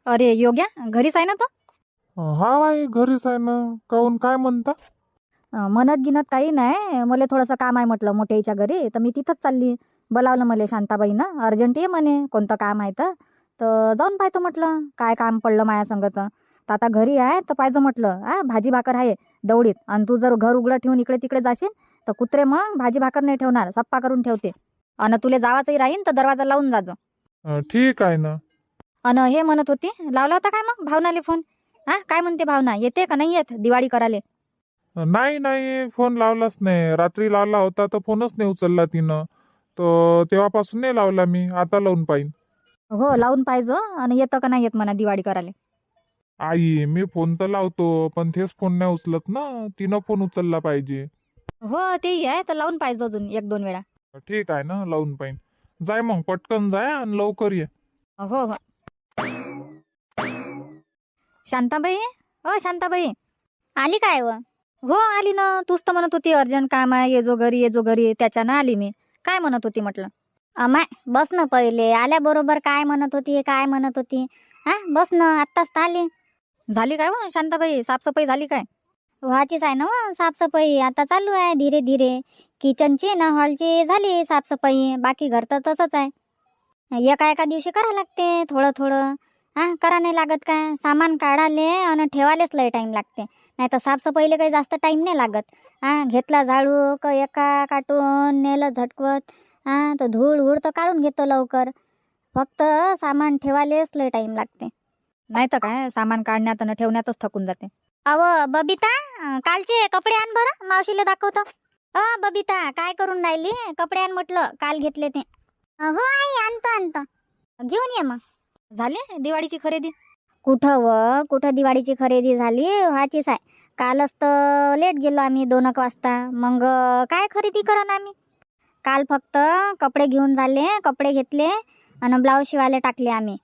अरे योग्या घरीच आहे ना तो? हा बाई घरीच आहे ना. काहून काय म्हणता? म्हणत गिनत काही नाही, मला थोडंसं काम आहे म्हटलं मोठ्याच्या घरी, तर मी तिथंच चालली. बोलावलं मला शांताबाईनं, अर्जंट ये म्हणे, कोणतं काम आहे तर जाऊन पाहतो म्हटलं काय काम पडलं माया संगत. तर आता घरी आहे तर पाहिजे म्हटलं, भाजी भाकर आहे दवडीत. आणि तू जर घर उघडं ठेवून इकडे तिकडे जाशील तर कुत्रे मग भाजी भाकर नाही ठेवणार, सप्पा करून ठेवते. आणि तुले जावाचंही राहीन तर दरवाजा लावून जाजो. ठीक आहे ना. अन हे म्हणत होती, लावला होता काय मग भावनाले फोन? काय म्हणते भावना, येते का नाही येत दिवाळी कराले? नाही नाही, फोन लावलाच नाही. रात्री लावला होता तर फोनच नाही उचलला तिनं. तर तेव्हापासून नाही लावला मी. आता लावून पाहिन. हो लावून पाहिजो. आणि येतं का नाही येत म्हणा दिवाळी कराले. आई मी फोन तर लावतो पण तेच फोन नाही उचलत ना. तिनं फोन उचलला पाहिजे. हो तेही आहे, तर लावून पाहिजे अजून एक दोन वेळा. ठीक आहे ना, लावून पाहिन. जाय मग पटकन जाय आणि लवकर ये. हो हो. शांताबाई, शांताबाई, आली काय व? हो आली ना. तूच तर म्हणत होती अर्जंट काम आहे, ये जो घरी ये जो घरी, त्याच्यानं आली मी. काय म्हणत होती म्हटलं? अमाय बस ना, पहिले आल्याबरोबर काय म्हणत होती काय म्हणत होती. बस ना, आत्ताच तर आली. झाली काय व शांताबाई, साफसफाई झाली काय? व्हायचीच आहे ना व साफसफाई, आता चालू आहे धीरे धीरे. किचनची ना हॉलची झाली साफसफाई, बाकी घर तर तसंच आहे. एका एका दिवशी करा लागते थोडं थोडं. करा नाही लागत काय? सामान काढाले आणि ठेवालेच लय टाईम लागते. नाही तर साफसफाईला काही जास्त टाईम नाही लागत. घेतला झाडू एका काटून नेलं झटकवत. तर धूळ उड तर काढून घेतो लवकर. फक्त सामान ठेवालेच लय टाईम लागते. नाही तर काय, सामान काढण्यात आणि ठेवण्यातच थकून जाते. अव बबिता, कालचे कपडे आण बरं, मावशीला दाखवतो. बबिता काय करून राहिली? कपडे आण म्हटलं, काल घेतले ते. हो आई, आणतो आणतो. घेऊन ये मग. झाली दिवाळीची खरेदी? कुठं दिवाळीची खरेदी झाली, व्हायचीच आहे. कालच तर लेट गेलो आम्ही 2 वाजता. मग काय खरेदी करा ना आम्ही. काल फक्त कपडे घेऊन झाले, कपडे घेतले आणि ब्लाऊज शिवायला टाकले आम्ही.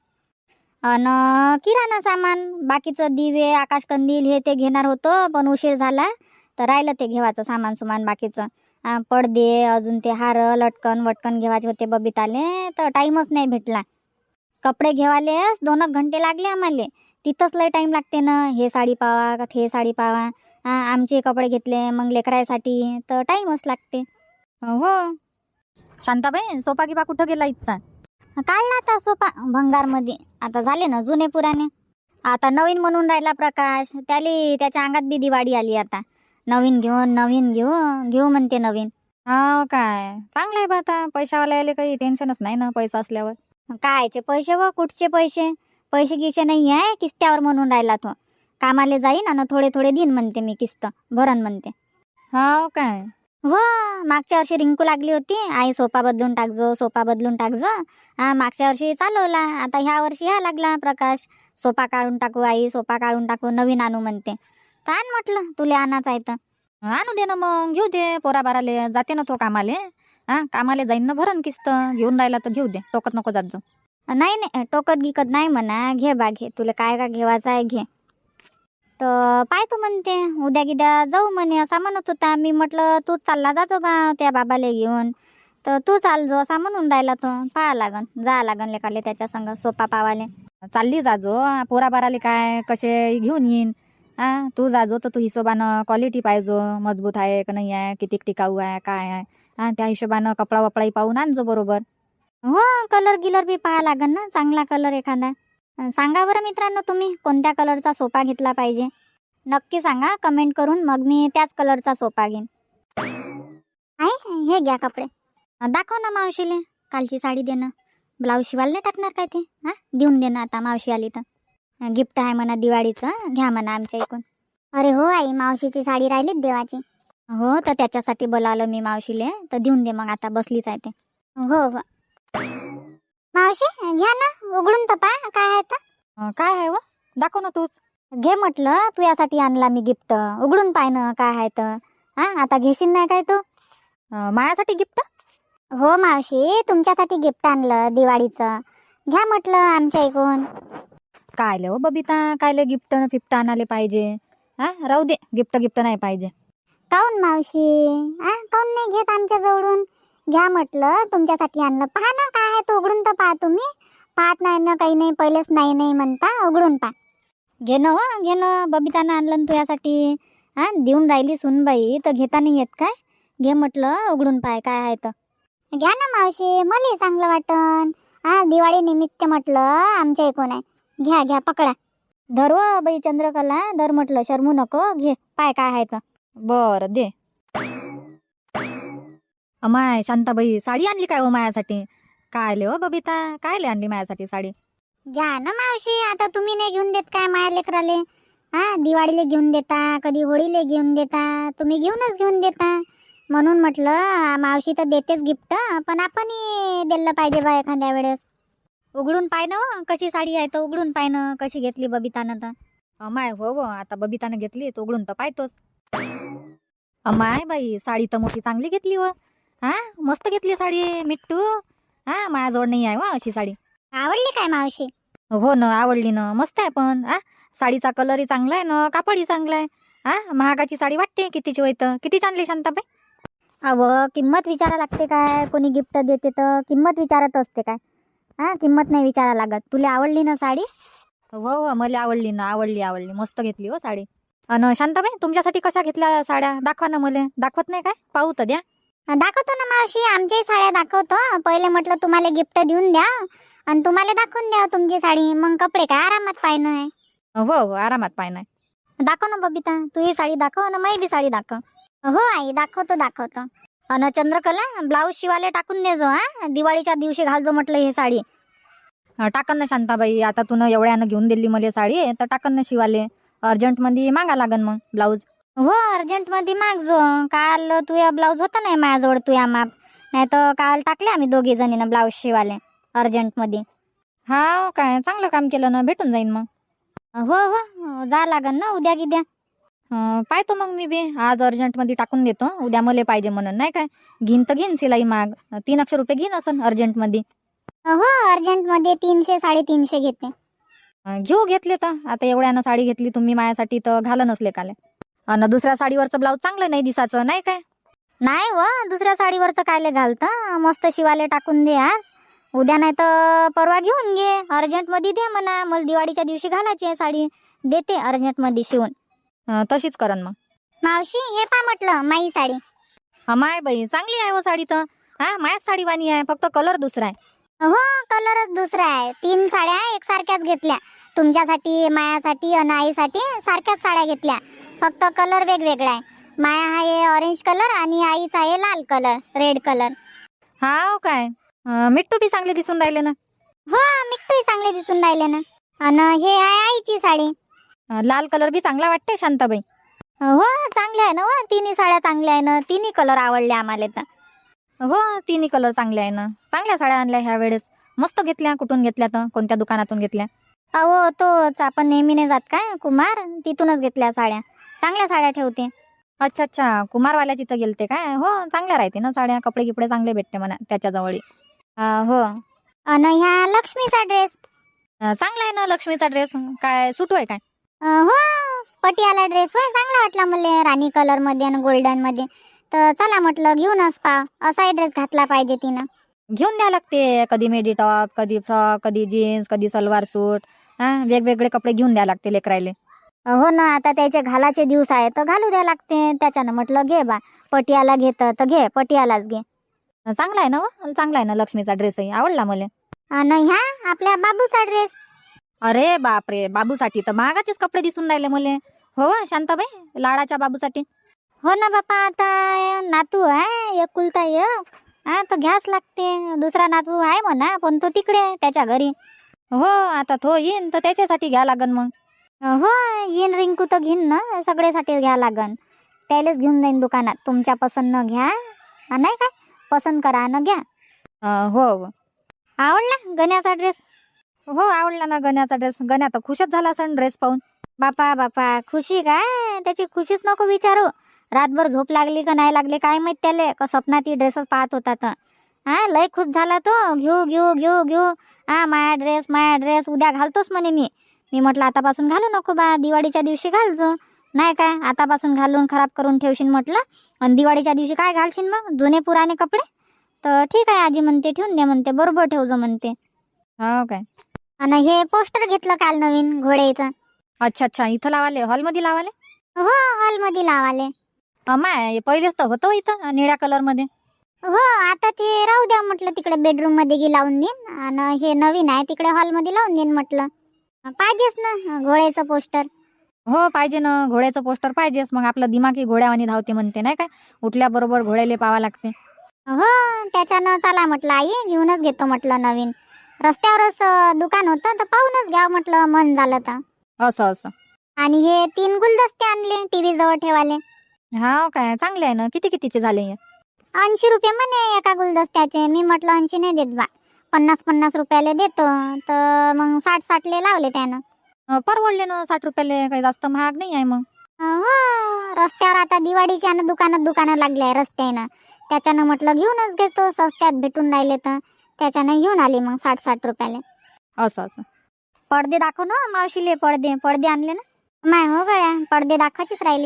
आणि किराणा सामान बाकीचं दिवे आकाशकंदील हे ते घेणार होतो, पण उशीर झाला तर राहिलं ते घेवायचं सामान सुमान बाकीचं. पडदे अजून ते हार लटकन वटकन घेवायचे होते बबिताले, तर टाईमच नाही भेटला. कपडे घेवालेच 2 घंटे लागले आम्हाला. तिथंच लय टाईम लागते ना, हे साडी पावा का ते साडी पावा. आमचे कपडे घेतले मग लेकरायसाठी तर टाईमच लागते. हो. शांताबाई सोपा गिपा कुठं गेला इथचा? काढला आता सोपा भंगारमध्ये. आता झाले ना जुने पुराणे. आता नवीन म्हणून राहिला प्रकाश, त्याच्या अंगात बी दिवाळी आली आता. नवीन घेऊ म्हणते नवीन. हा काय चांगलं आहे बा. आता पैशावाला यायला काही टेन्शनच नाही ना, पैसा असल्यावर. कायचे पैसे व कुठचे पैसे? पैसे गिसे नाही आहे, किस्त्यावर म्हणून राहिला तो. कामाले जाईन आणि थोडे थोडे दिन म्हणते मी किस्त भरण म्हणते. हा काय? हो, मागच्या वर्षी रिंकू लागली होती, आई सोफा बदलून टाकजो सोफा बदलून टाकजो. मागच्या वर्षी चालवला, आता ह्या वर्षी ह्या लागला प्रकाश. सोफा काढून टाकू आई, सोफा काढून टाकू, नवीन आणू म्हणते. तर आण म्हटलं, तुला आणायचं आहे तर. आणू दे ना मग, घेऊ दे. पोराबाराले जाते ना तो कामाले. कामाले जाईन ना, भरण किस्त. घेऊन राहिला तर घेऊ दे, टोकत नको जात जाऊ. नाही नाही, टोकत गिकत नाही म्हणा, घे बा घे, तुला काय काय घेवायचं आहे घे. तर पाहतो म्हणते, उद्या गिद्या जाऊ म्हणे असा म्हणत होता. मी म्हटलं तूच चालला जाजो बा त्या बाबाले घेऊन. तर तू चाल जो असा म्हणून राहिला तो. पाहा लागन, जा लागन लेकाले त्याच्या संग सोपा पावाले. चालली जाजो, पोराबाराले काय कसे घेऊन येईन. तू जाजो तर तू हिशोबानं क्वालिटी पाहिजो, मजबूत आहे का नाही आहे, किती टिकाऊ आहे काय आहे. त्या हिशोबानं कपडा वपडाही पाहून आणजो बरोबर. हो, कलर गिलर बी पाहा लागन ना, चांगला कलर एखादा. सांगा बरं मित्रांनो, तुम्ही कोणत्या कलरचा सोफा घेतला पाहिजे. नक्की सांगा कमेंट करून, मग मी त्याच कलरचा सोफा घेईन. हे घ्या कपडे. दाखव ना मावशीले, कालची साडी दे ना. ब्लाऊज शिवायला नाही टाकणार काय ते? देऊन दे ना आता, मावशी आली तर. गिफ्ट आहे म्हणा दिवाळीचं, घ्या म्हणा आमच्या इकडून. अरे हो आई, मावशीची साडी राहिलीच देवाची. हो, तर त्याच्यासाठी बोलावलं मी मावशीले, तर देऊन दे मग, आता बसलीच आहे ते. हो हो मावशी, घ्या ना, उघडून तर पहा काय आहे तर. काय आहे व, दाखव ना तूच. घे म्हटलं, तू यासाठी आणला मी गिफ्ट, उघडून पाय ना काय आहे तर. आता घेशील नाही काय तू? मायासाठी गिफ्ट? हो मावशी, तुमच्यासाठी गिफ्ट आणलं दिवाळीचं, घ्या म्हटलं आमच्या इकडून. कायले हो बबिता, कायले गिफ्ट फिफ्ट आणाले पाहिजे. राहू दे, गिफ्ट नाही पाहिजे. काऊन मावशी, काऊन नाही घेत आमच्या जवळून? घ्या म्हटलं, तुमच्यासाठी आणलं, पहा ना काय आहे तो, उघडून तर पहा तुम्ही. पाहत नाही ना काही नाही, पहिलेच नाही नाही म्हणता. उघडून पा. घे ना हो, घे ना. बबितानं आणलं ना तुझ्यासाठी. हा, देऊन राहिली सुनबाई तर घेता नाही येत काय? घे म्हटलं, उघडून पाय काय आहे तर. घ्या ना मावशी, मलाही चांगलं वाटन. हा, दिवाळी निमित्त म्हटलं आमच्या इकडून आहे. घ्या घ्या, पकडा. धर व बाई चंद्रकला, धर म्हटलं, शरमू नको. घे पाय काय आहे तर. बरं दे. अमाय शांताबाई, साडी आणली काय हो मायासाठी? काय ले हो बबिता, काय ले आणली मायासाठी साडी? घ्या ना मावशी, आता तुम्ही नाही घेऊन देत काय माया लेकराले? हा, दिवाळीला घेऊन देता, कधी होळीला घेऊन देता, तुम्ही घेऊन देता. म्हणून म्हटलं मावशी तर देतेच गिफ्ट, पण आपणही दिलं पाहिजे बा एखाद्या वेळेस. उघडून पाय ना हो, कशी साडी आहे तर उघडून पाय ना, कशी घेतली बबितानं तर. अमाय हो आता बबितानं घेतली तर उघडून तर पाहतोच. अमाय बाई, साडी तर मोठी चांगली घेतली व. हा, मस्त घेतली साडी मिट्टू. हा, माझ्याजवळ नाही आहे वा अशी साडी. आवडली काय मावशी? हो ना, आवडली ना, मस्त आहे. पण साडीचा कलरही चांगला आहे ना, कापडही चांगला आहे. महागाची साडी वाटते कितीची होईत. किती आणली शांताबाई? अव, किंमत विचारा लागते काय? कोणी गिफ्ट देते तर किंमत विचारत असते काय? हा, किंमत नाही विचारा लागत. तुला आवडली ना साडी? हो मला आवडली ना, आवडली मस्त घेतली हो साडी. अन शांताबाई, तुमच्यासाठी कशा घेतल्या साड्या? दाखवा ना मला. दाखवत नाही काय? पाहू तर द्या. दाखवतो ना मावशी, आमच्याही साड्या दाखवतो. पहिले म्हटलं तुम्हाला गिफ्ट देऊन द्या आणि तुम्हाला दाखवून द्या तुमची साडी, मग कपडे काय आरामात पाहिजे आहे. हो आरामात पाय नाही. दाखव ना बबिता, तू ही साडी दाखव ना, माझी बी साडी दाखव. हो आई, दाखवतो. अन चंद्रकला, ब्लाऊज शिवाले टाकून दे जो. हा, दिवाळीच्या दिवशी घालजो म्हटलं ही साडी. टाकन ना शांताबाई, आता तू एवढ्यानं घेऊन दिली मला साडी तर टाकन ना शिवाले. अर्जंट मध्ये मागा लागन मग ब्लाऊज. हो, अर्जंट मध्ये मागजो. काल तुया ब्लाऊज होता नाही माझ्याजवळ तुया माप, नाही तर काल टाकले आम्ही दोघी जणीनं ब्लाऊज शिवाले अर्जंट मध्ये. हा काय, चांगलं काम केलं ना, भेटून जाईन मग. हो, जा लागन ना उद्या गिद्या. पाहतो मग मी बी आज अर्जंट मध्ये टाकून देतो. उद्या मला पाहिजे म्हणून नाही काय. घेईन तर घेईन शिलाई माग. 300 रुपये घेईन असं अर्जंट मध्ये. हो, अर्जंट मध्ये 300 350 घेते. घेऊ घेतले तर. आता एवढ्यानं साडी घेतली तुम्ही माझ्यासाठी तर घालं नसले काले. आणि दुसऱ्या साडीवरचं ब्लाऊज चांगलं नाही दिसाचं नाही काय? नाही व, दुसऱ्या साडीवरचं कायले घालतं. मस्त शिवाले टाकून दे आज. उद्या नाही तर परवा घेऊन घे. अर्जंट मध्ये दे म्हणा, मला दिवाळीच्या दिवशी घालायची आहे साडी. देते अर्जंट मध्ये शिवून. तशीच करन मग. मावशी, हे पा म्हटलं माई साडी. माय बाई, चांगली आहे हो साडी तर. मायाच साडी वाणी आहे, फक्त कलर दुसरा आहे. हो, कलरच दुसरा आहे. 3 साड्या एकसारख्याच घेतल्या. तुमच्यासाठी, मायासाठी आणि आईसाठी सारख्याच साड्या घेतल्या, फक्त कलर वेगवेगळा आहे. माया आहे ऑरेंज कलर आणि आईचा आहे लाल कलर, रेड कलर. हा काय, मिट्टू बी चांगले दिसून राहिले ना. हो, मिठ्ठूही चांगले दिसून राहिले ना. आणि हे आहे आईची साडी. लाल कलर बी चांगला वाटते शांताबाई. हो, चांगले आहे ना. हो, तिन्ही साड्या चांगल्या आहे ना. तिन्ही कलर आवडले आम्हाला तर. हो, तिन्ही कलर चांगले आहे ना. चांगल्या साड्या आणल्या ह्या वेळेस. मस्त घेतल्या. कुठून घेतल्या तर? कोणत्या दुकानातून घेतल्या? अहो, तोच आपण नेहमीने जात काय कुमार, तिथूनच घेतल्या साड्या. चांगल्या साड्या ठेवते. अच्छा, कुमारवाल्याची तर गेलते काय? हो, चांगल्या राहते ना साड्या. कपडे गिपडे चांगले भेटते म्हणा त्याच्याजवळ. हो, आणि ह्या लक्ष्मीचा ड्रेस चांगला आहे ना लक्ष्मीचा ड्रेस. काय सुटू आहे काय? हो, पटियाला ड्रेस होय, चांगला वाटला मला. राणी कलर मध्ये आणि गोल्डन मध्ये. तर चला म्हटलं घेऊनच पा. असाही ड्रेस घातला पाहिजे तिनं. घेऊन द्या लागते. कधी मेडी टॉप, कधी फ्रॉक, कधी जीन्स, कधी सलवार सूट. वेगवेगळे कपडे घेऊन द्या लागते लेकरायले. हो ना, आता त्याचे घालाचे दिवस आहे तर घालू द्या लागते. त्याच्यानं म्हटलं घे बा, पटियाला घेत तर घे, पटियालाच घे. चांगला आहे ना हो? चांगला आहे ना लक्ष्मीचा ड्रेसही. आवडला मला. आणि ह्या आपल्या बाबूचा ड्रेस. अरे बापरे, बाबूसाठी तर महागाचेच कपडे दिसून राहिले मला. हो शांताबाई, लाडाच्या बाबूसाठी. हो ना बापा, आता नातू आहे एकुलता एक. तर घ्यास लागते. दुसरा नातू आहे म्हणा, पण तो तिकडे आहे त्याच्या घरी. हो, आता तो येईन तर त्याच्यासाठी घ्या लागन मग. हो, येईन रिंकू तर घेईन ना, सगळ्यासाठी घ्या लागन. त्यालाच घेऊन जाईन दुकानात. तुमच्या पसंत न घ्या, नाही काय, पसंत करा न घ्या. हो. आवडला गण्याचा ड्रेस? हो, आवडला ना गण्याचा ड्रेस. गण्या तर खुशच झाला सण ड्रेस पाहून. बापा खुशी काय, त्याची खुशीच नको विचारू. रातभर झोप लागली का नाही लागली काय माहित त्याले, का स्वप्नात ती ड्रेसच पाहत होता तर. लय खुश झाला तो. घेऊ. माया ड्रेस उद्या घालतोच म्हणे मी म्हटलं आतापासून घालू नको बा, दिवाळीच्या दिवशी घालजो. नाही काय, आतापासून घालून खराब करून ठेवशील म्हटलं. आणि दिवाळीच्या दिवशी काय घालशील मग, जुने पुराणे कपडे. तर ठीक आहे आजी म्हणते, ठेवून दे म्हणते, बरोबर ठेवजो म्हणते. हो काय? आणि हे पोस्टर घेतलं काल नवीन घोड्याचं. अच्छा अच्छा, इथं लावाले, हॉलमध्ये लावाले? हो, हॉलमध्ये लावाले. माय पहिलेच तर होतं इथं निळ्या कलर मध्ये. हो, आता ते राहू द्या म्हटलं, तिकडे बेडरूम मध्ये गी लावून देईन. आणि हे नवीन आहे तिकडे हॉल मध्ये लावून देईन म्हटलं. पाहिजेच ना घोड्याचं पोस्टर. हो पाहिजे ना, घोड्याचं पोस्टर पाहिजेच. मग आपलं दिमागी घोड्यावानी धावते म्हणते नाही काय, उठल्याबरोबर घोड्याले पाहावं लागते. हो, त्याच्यानं चला म्हटलं आई घेऊनच घेतो म्हटलं नवीन. रस्त्यावरच दुकान होतं तर पाहूनच घ्यावं म्हटलं मन झालं तर. असं असं. आणि हे 3 गुलदस्ते आणले टीव्ही जवळ ठेवाले. हा काय, चांगले आहे ना. किती कितीचे झाले हे? 80 रुपये म्हणे एका गुलदस्त्याचे. मी म्हटलं 80 नाही देत बा, 50-50 रुपयाले देतो. तर मग 60-60 ले लावले त्यानं. परवडले ना 60 रुपयाले, काही जास्त महाग नाही आहे मग. हो, रस्त्यावर आता दिवाळीच्या आणि दुकानं लागले आहे रस्त्यानं. त्याच्यानं म्हटलं घेऊनच घेतो, स्वस्त्यात भेटून राहिले तर त्याच्यानं घेऊन आली मग 60-60 रुपयाले. असं असं. पडदे दाखव ना मावशीले, पडदे आणले ना. माय हो गळ्या, पडदे दाखवायचीच राहिली.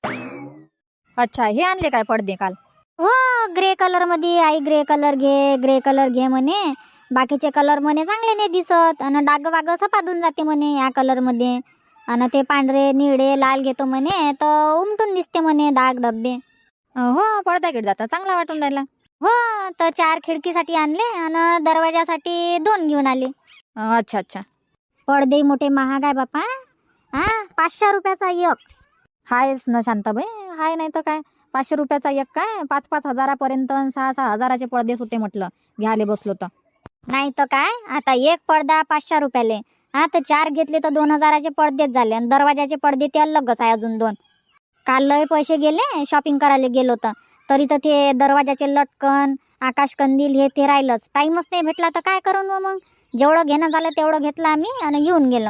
अच्छा, हे आणले काय पडदे काल? हो, ग्रे कलर मध्ये. आई ग्रे कलर घे म्हणे. बाकीचे कलर म्हणे चांगले नाही दिसत आणि डाग वाग सपादून जाते म्हणे या कलर मध्ये. आणि ते पांढरे निळे लाल घेतो म्हणे तर उमटून दिसते म्हणे डाग धब्बे. हो, पडदा गिड जाता चांगला वाटून राहिला. हो, तर 4 खिडकीसाठी आणले आणि दरवाजासाठी 2 घेऊन आले. अच्छा अच्छा. पडदे मोठे महाग आहे बापा. 500 रुपयाचा एक. हायच ना शांताबाई, हाय नाही तर काय. 500 रुपयाचा एक काय, 5-5 हजारापर्यंत 6-6 हजाराचे पडदेच होते म्हटलं घ्यायला बसलो तर. नाही तर काय, आता एक पडदा 500 रुपयाले. तर 4 घेतले तर 2000चे पडदेच झाले. आणि दरवाजाचे पडदे ते अलगच आहे अजून 2. काल लय पैसे गेले शॉपिंग करायला गेलो तर. तरी तर ते दरवाजाचे लटकन, आकाशकंदील हे ते राहिलंच. टाइमच नाही भेटला तर काय करून मग. जेवढं घेणं झालं तेवढं घेतलं आम्ही आणि घेऊन गेलो.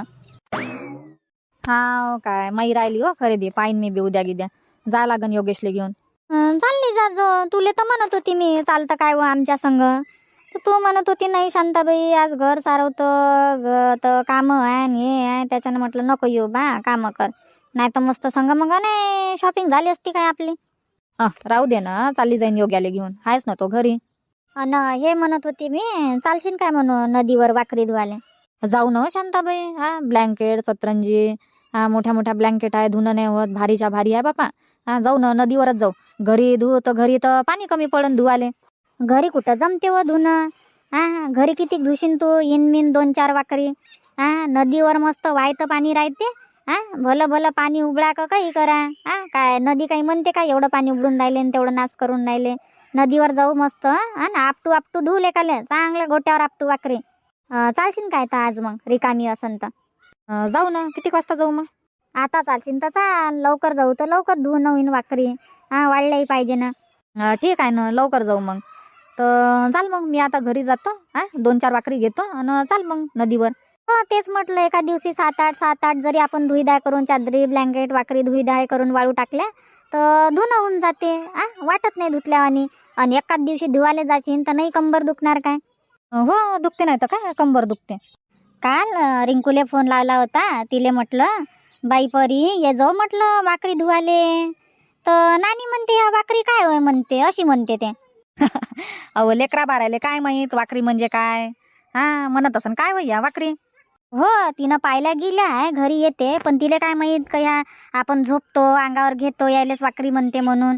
हा काय, माई राहिली हो खरेदी. पाहिन मी बी उद्या गिद्या. जा लागन योगेशले घेऊन. चालली जाजो. तुले तर म्हणत होती मी चालतं काय व आमच्या संग. तर तू म्हणत होती नाही शांताबाई आज घर सारवतं तर कामं आहे आणि हे आहे. त्याच्यानं म्हटलं नको येऊ बा, कामं कर. नाही तर मस्त संग मग नाही शॉपिंग झाली असती काय आपली. राहू दे ना, चालली जाईन योग्याले घेऊन. हायच ना तो घरी. अन हे म्हणत होती मी, चालशील काय म्हणू नदीवर वाकरी धुवाले. जाऊ ना शांताबाई. ब्लँकेट सतरंजी, मोठ्या मोठ्या ब्लँकेट आहे, धुणं नाही होत. भारीच्या भारी आहे बापा. जाऊ ना नदीवरच जाऊ. घरी धुऊ तर घरी तर पाणी कमी पडन धुवाले. घरी कुठं जमते व धुणं. घरी किती धुशीन तू, इनमिन 2-4 वाकरी. नदीवर मस्त वाहतं पाणी राहते. भलं भलं पाणी उबळा का काही करा. काय नदी काही म्हणते का एवढं पाणी उबळून राहिले आणि तेवढं नाश करून राहिले. नदीवर जाऊ मस्त. आपटू धुले काले चांगल्या गोट्यावर आपटू वाकरी. चालशील काय तर आज मग रिकामी असन तर. जाऊ ना, किती वाजता जाऊ मग? आता चालशील तर चाल, लवकर जाऊ तर लवकर धुवून होईन वाकरी. वाढल्याही पाहिजे ना. ठीक आहे ना, लवकर जाऊ मग. तर चाल मग, मी आता घरी जातो. 2-4 वाकरी घेतो आणि चाल मग नदीवर. हो, तेच म्हटलं एका दिवशी 7-8 जरी आपण धुईदाय करून चादरी ब्लँकेट वाकरी धुईदाय करून वाळू टाकल्या तर धुणं होऊन जाते. वाटत नाही धुतल्यावानी. आणि एकाच दिवशी धुवायला जाशील तर नाही कंबर दुखणार काय. हो, दुखते नाही तर काय, कंबर दुखते. काल रिंकूले फोन लावला होता. तिले म्हटलं बाई परी ये जाऊ म्हटलं वाकरी धुवाले. तर नानी म्हणते या वाकरी काय होय म्हणते, अशी म्हणते ते. अहो लेकरा बारायले काय माहित वाकरी म्हणजे काय. म्हणत असन काय होय या वाकरी. हो, तिनं पाहायला गेल्या आहे घरी येते. पण तिले काय माहित का ह्या आपण झोपतो अंगावर घेतो यायलेच वाकरी म्हणते म्हणून.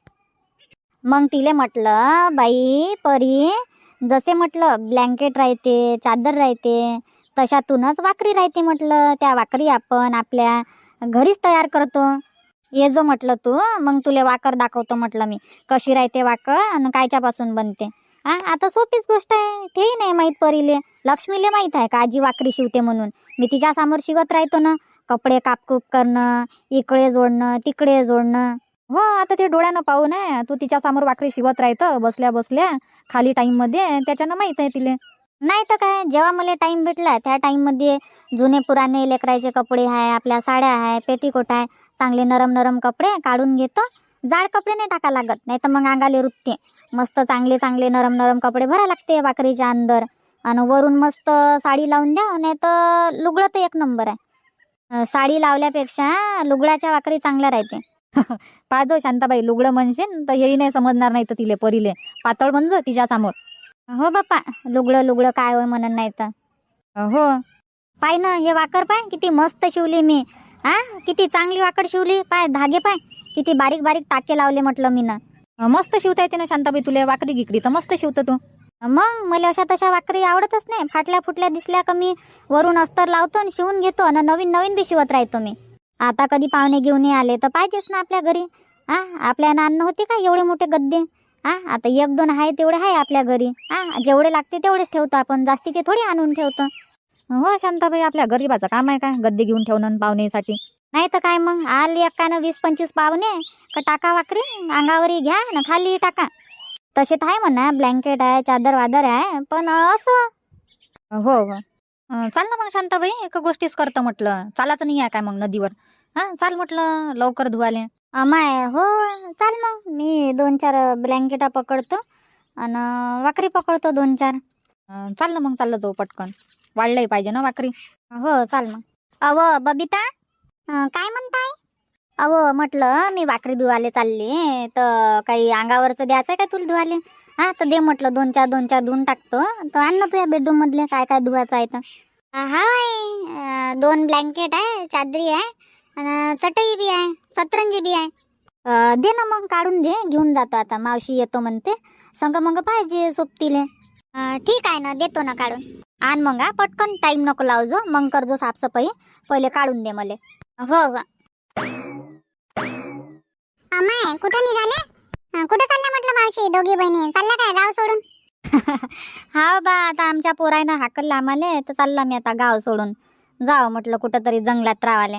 मग तिले म्हटलं बाई परी जसे म्हटलं ब्लँकेट राहते चादर राहते तशातूनच वाकरी राहते म्हटलं. त्या वाकरी आपण आपल्या घरीच तयार करतो. ये जो म्हटलं तू, मग तुले वाकर दाखवतो म्हटलं मी कशी राहते वाकर आणि कायच्यापासून बनते. आता सोपीच गोष्ट आहे. तेही नाही माहीत परीले. लक्ष्मीले माहीत आहे का आजी वाकरी शिवते म्हणून. मी तिच्या समोर शिवत राहतो ना. कपडे कापकूप करणं, इकडे जोडणं तिकडे जोडणं. हो, आता ते डोळ्यानं पाहू नये. तू तिच्या समोर वाकरी शिवत राहतं बसल्या बसल्या खाली टाइम मध्ये. त्याच्यानं माहित आहे तिले. नाही तर काय, जेव्हा मला टाइम भेटला त्या टाइम मध्ये जुने पुराणे लेकराचे कपडे आहे, आपल्या साड्या आहे, पेटीकोट आहे, चांगले नरम नरम कपडे काढून घेतो. जाड कपडे नाही टाका लागत, नाही तर मग अंगाले रुतते. मस्त चांगले चांगले नरम नरम कपडे भरा लागते वाकरीच्या अंदर. आणि वरून मस्त साडी लावून द्या. नाही तर लुगडं तर एक नंबर आहे. साडी लावल्यापेक्षा लुगडाच्या वाकरी चांगल्या राहते. पाजो शांताबाई, लुगडं म्हणशील तर हेही नाही समजणार नाही तर तिले परीले. पातळ म्हणजो तिच्या समोर. हो बाप्पा, लुगडं लुगडं काय होय म्हणून नाही तर. हो. पाय ना हे वाकर, पाय किती मस्त शिवली मी. किती चांगली वाकड शिवली. पाय धागे, पाय किती बारीक बारीक टाके लावले म्हटलं मी ना. मस्त शिवता येते ना शांताबाई तुला वाकडी गिकडी तर मस्त शिवतं तू. मग मला अशा तशा वाकरी आवडतच नाही. फाटल्या फुटल्या दिसल्या का मी वरून अस्तर लावतो आणि शिवून घेतो आणि नवीन नवीन बी शिवत राहतो मी. आता कधी पाहुणे घेऊन आले तर पाहिजेच ना आपल्या घरी. आपल्याला अन्न होते का एवढे मोठे गद्दे. आता एक दोन आहे तेवढे आहे आपल्या घरी. जेवढे लागते तेवढेच ठेवतो आपण, जास्तीचे थोडी आणून ठेवतो. हो शांताबाई, आपल्या गरीबाचं काम आहे काय गद्दे घेऊन ठेवणं पाहुणेसाठी. नाही तर काय मग, आले एकानं 20-25 पाहुणे का टाका वाकरी अंगावरी घ्या ना खाली टाका. तसे तर आहे म्हणा, ब्लँकेट आहे, चादर वादर आहे, पण असं. हो हो. चाल ना मग शांताबाई, एका गोष्टीच करतं म्हटलं. चालायचं नाही आहे काय मग नदीवर. चाल म्हटलं लवकर धुवाले. माय हो, चाल मग मी 2-4 ब्लँकेटा पकडतो आणि वाकरी पकडतो 2-4. चाल ना मग, चाललं जाऊ पटकन. वाढलंही पाहिजे ना वाकरी. हो चाल मग. अव बबिता, काय म्हणताय? अहो म्हटलं मी वाकरी धुवाले चालली, तर काही अंगावरचं द्यायचं आहे का तुला धुवाले? तर दे म्हटलं 2-4 धुवून टाकतो. तर आण ना तुझ्या बेडरूम मधले काय काय धुवायचं आहे तर. हाय, 2 ब्लँकेट आहे, चादरी आहे आणि चटई बी आहे, सतरंजी बी आहे. दे ना मग, काढून दे, घेऊन जातो आता. मावशी येतो म्हणते, संग मग पाहिजे सोबतीले. ठीक आहे ना, देतो ना काढून. आण मग, पटकन, टाइम नको लावजो, मग करजो साफसफाई. पहिले काढून दे मले. हो हो. अमाय कुठं निघाले? कुठं चालल्या म्हटलं मावशी? दोघी बहिणी चालल्या काय गाव सोडून? हा बा, आता आमच्या पोरायनं हाकललं आम्हाला, तर चालला मी आता गाव सोडून. जाव म्हटलं कुठं तरी जंगलात रावाले.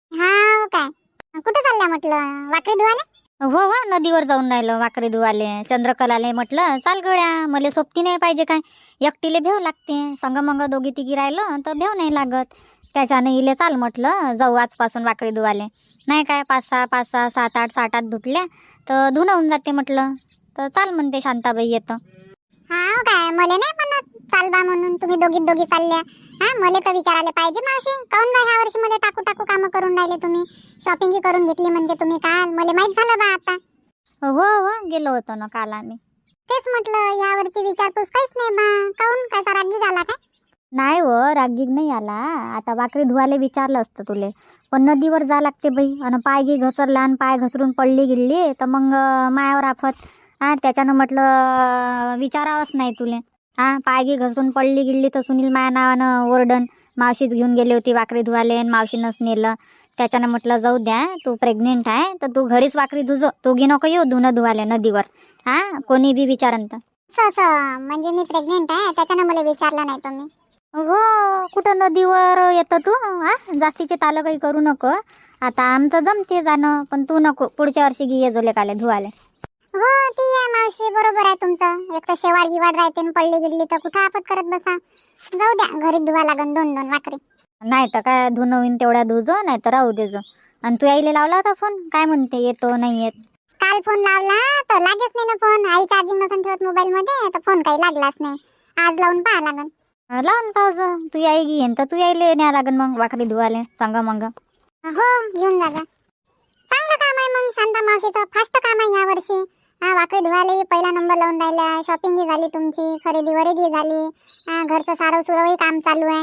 हा काय, कुठं चालल्या म्हटलं? वाकरी धुवाले? हो हो, नदीवर जाऊन राहिलो वाकरी धुवाले. चंद्रकलाले म्हटलं चाल गड्या, मला सोबती नाही पाहिजे काय, एकटीले भेव लागते. संग मग दोघी तिघी राहिलो तर भेव नाही लागत. त्याच्यानं इले चाल म्हटलं, जाऊ आजपासून वाकरी धुवाले. नाही काय 5-6, 7-8, 8 धुतल्या तर धुणं होऊन जाते म्हटलं. तर चाल म्हणते शांताबाई येतं. हा काय, मला नाही म्हणत चाल बा म्हणून, तुम्ही दोघी चालल्या. मला तर विचारायला पाहिजे मावशी, काऊन बा ह्या वर्षी मला टाकू कामं करून राहिले तुम्ही? शॉपिंग करून घेतली म्हणजे तुम्ही काल, मला माहित झालं बा आता. हो हो, गेलो होतो ना काल आम्ही. तेच म्हटलं या वर्षी विचारपूस काहीच नाही बा, काऊन काय रागी झाला काय? नाही हो, रागीग नाही आला. आता वाकरी धुवाले विचारलं असतं तुले, पण नदीवर जा लागते बाई. आणि पाय घे घसरला आणि पाय घसरून पडली गिडली तर मग मायावर आफत. त्याच्यानं म्हटलं विचारावंच नाही तुले. पाय घे घसरून पडली गिडली तर सुनील माया नावानं ओरडन, मावशीच घेऊन गेली होती वाकरी धुवाले आणि मावशीनंच नेलं. त्याच्यानं म्हटलं जाऊ द्या, तू प्रेग्नेंट आहे तर तू घरीच वाकरी धुजो, तू घे नको येऊ धुणं धुवाले नदीवर. कोणी बी विचारन तर. म्हणजे मी प्रेग्नेंट आहे त्याच्यानं मला विचारलं नाही तुम्ही? हो, कुठं नदीवर येतं तू? जास्तीचे तालं काही करू नको. आता आमचं जमते जाणं, पण तू नको, पुढच्या वर्षी घे ये जोले काले धुवाले. हो ती आहे मावशी, बरोबर आहे तुमचं. एक तर शेवाळ गिवाड राहते, पडली गिडली तर कुठं आपत करत बसा. जाऊ द्या, घरी धुवा लागन 2-2 वाकरी. नाही तर काय, धुणं होईन तेवढ्या धुजो, नाही तर राहू देजो. आणि तू आईले लावला होता फोन, काय म्हणते येतो नाही येत? काल फोन लावला तर लागेच नाही ना फोन. आई चार्जिंग नसून ठेवत मोबाईल मध्ये, तर फोन काही लागलाच नाही. आज लावून पाहा लागन. लावून पाहजो, तू आई घेईन तर तू यायला न्या लागन मग वाकरी धुवाले संग मग. हो, घेऊन जा. चांगलं काम आहे मग शांता मावशीचं, फास्ट काम आहे या वर्षी. वाकडी धुवाले पहिला नंबर लावून राहिल्या. शॉपिंगही झाली तुमची, खरेदी वरेदी झाली. घरचं सारव सुरवही काम चालू आहे.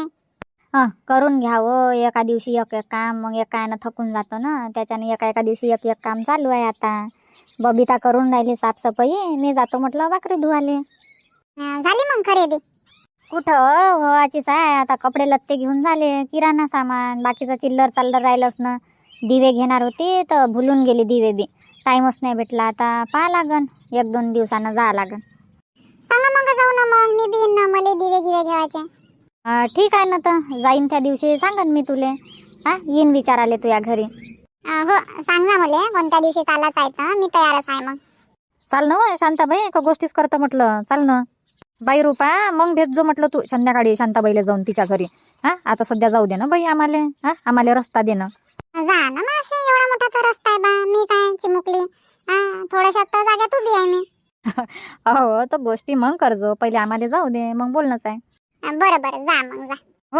करून घ्यावं एका दिवशी एक काम, मग एकानं थकून जातो ना. त्याच्याने एका दिवशी एक काम चालू आहे. आता बबिता करून राहिली साफसफाई, मी जातो म्हटलं वाकरी धुवाले. झाली मग खरेदी? कुठं व्हायचीच आहे आता. कपडे लत्ते घेऊन झाले, किराणा सामान बाकीचं चिल्लर चाललर राहिलंच ना. दिवे घेणार होते तर भुलून गेली दिवे बी, टाइमच नाही भेटला. आता पाहा लागन, 1-2 दिवसानं जा लागन. सांगा मग जाऊ ना, मग मी बी ना, मला दिवे गिवे घ्यायचे. ठीक आहे ना, तर जाईन त्या दिवशी सांगन मी तुले. येईन विचाराले तुझ्या घरी. हो सांग ना मला कोणत्या दिवशी चालायचं आहे तर मी तयारच आहे मग. चाल ना शांताबाई, एका गोष्टीच करतं म्हटलं. चाल ना बाई रुपा, मग भेट जो म्हटलं तू संध्याकाळी शांताबाईला जाऊन तिच्या घरी. आता सध्या जाऊ दे ना बाई, आम्हाला रस्ता दे ना. जा ना मावशी, एवढा मोठा रस्ता आहे बा, मी काय चिमुकली? थोड्याशा जाग्यात उभी आहे मी. हो, तर गोष्टी मग करजो, पहिले आम्हाला जाऊ दे, मग बोलणंच आहे. बरं जा मग जा. हो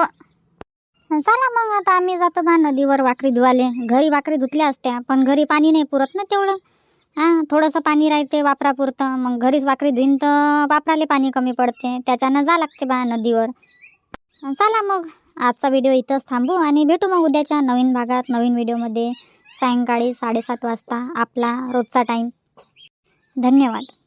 चला मग, आता आम्ही जातो बा नदीवर वाकरी धुवाले. घरी वाकरी धुतल्या असत्या, पण घरी पाणी नाही पुरत ना तेवढं. हां थोडंसं पाणी राहते वापरापुरतं, मग घरीच वाकरी धुईन तर वापराले पाणी कमी पडते, त्याच्यानं जा लागते बा नदीवर. चला मग आजचा व्हिडिओ इथंच थांबू आणि भेटू मग उद्याच्या नवीन भागात नवीन व्हिडिओमध्ये सायंकाळी 7:30 वाजता आपला रोजचा टाईम. धन्यवाद.